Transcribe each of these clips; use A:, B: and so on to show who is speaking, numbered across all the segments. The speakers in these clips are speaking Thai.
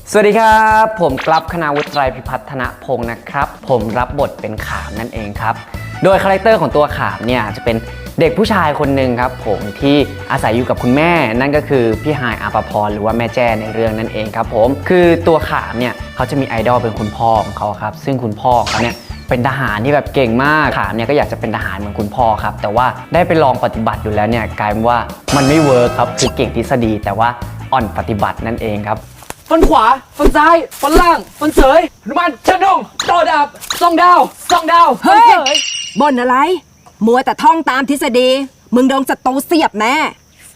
A: สวัสดีครับผมกลับคณาวุฒิไตรพิพัฒนพงศ์นะครับผมรับบทเป็นขามนั่นเองครับโดยคาแรคเตอร์ของตัวขามเนี่ยจะเป็นเด็กผู้ชายคนหนึ่งครับผมที่อาศัยอยู่กับคุณแม่นั่นก็คือพี่ฮายอาภพรหรือว่าแม่แจ้ในเรื่องนั่นเองครับผมคือตัวขามเนี่ยเขาจะมีไอดอลเป็นคุณพ่อของเขาครับซึ่งคุณพ่อเขาเนี่ยเป็นทหารที่แบบเก่งมากขามเนี่ยก็อยากจะเป็นทหารเหมือนคุณพ่อครับแต่ว่าได้ไปลองปฏิบัติอยู่แล้วเนี่ยกลายเป็นว่ามันไม่เวิร์คครับคือเก่งทฤษฎีแต่ว่าอ่อนปฏิบัตินั่นเองครับ
B: ฟันขวาฟันซ้ายฟันล่างฟันเสยหนุมานชันดงต่อดาบส่องดาวส่องดาวฟันเสย
C: บ่นอะไรมัวแต่ท่องตามทฤษฎีมึงโดนศัตรูเสียบแน่ไฟ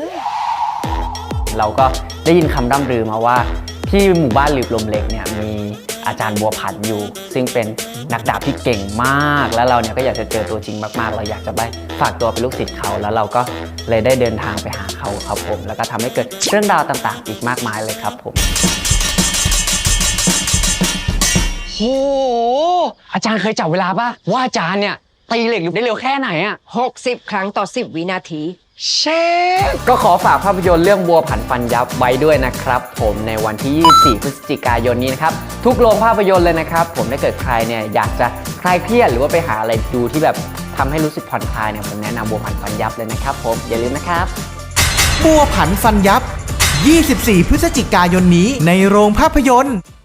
A: เราก็ได้ยินคำร่ำลือมาว่าที่หมู่บ้านหลืบลมเล็กเนี่ยมีอาจารย์บัวผันอยู่ซึ่งเป็นนักดาบที่เก่งมากแล้วเราเนี่ยก็อยากจะเจอตัวจริงมากๆเราอยากจะไปฝากตัวเป็นลูกศิษย์เขาแล้วเราก็เลยได้เดินทางไปหาเขาครับผมแล้วก็ทำให้เกิดเรื่องราวต่างๆอีกมากมายเลยครับผมโหอาจารย์เคยจับเวลาป่ะว่าอาจารย์เนี่ยตีเหล็กได้เร็วแค่ไหนอะ
C: 60 ครั้งต่อ 10 วินาที
A: เชฟก็ขอฝากภาพยนตร์เรื่องบัวผันฟันยับไว้ด้วยนะครับผมในวันที่ 24 พฤศจิกายนนี้นะครับทุกโรงภาพยนตร์เลยนะครับผมถ้าเกิดใครเนี่ยอยากจะคลายเครียดหรือว่าไปหาอะไรดูที่แบบทำให้รู้สึกผ่อนคลายเนี่ยผมแนะนำบัวผันฟันยับเลยนะครับผมอย่าลืมนะครับ
D: บัวผันฟันยับ 24 พฤศจิกายนนี้ในโรงภาพยนตร์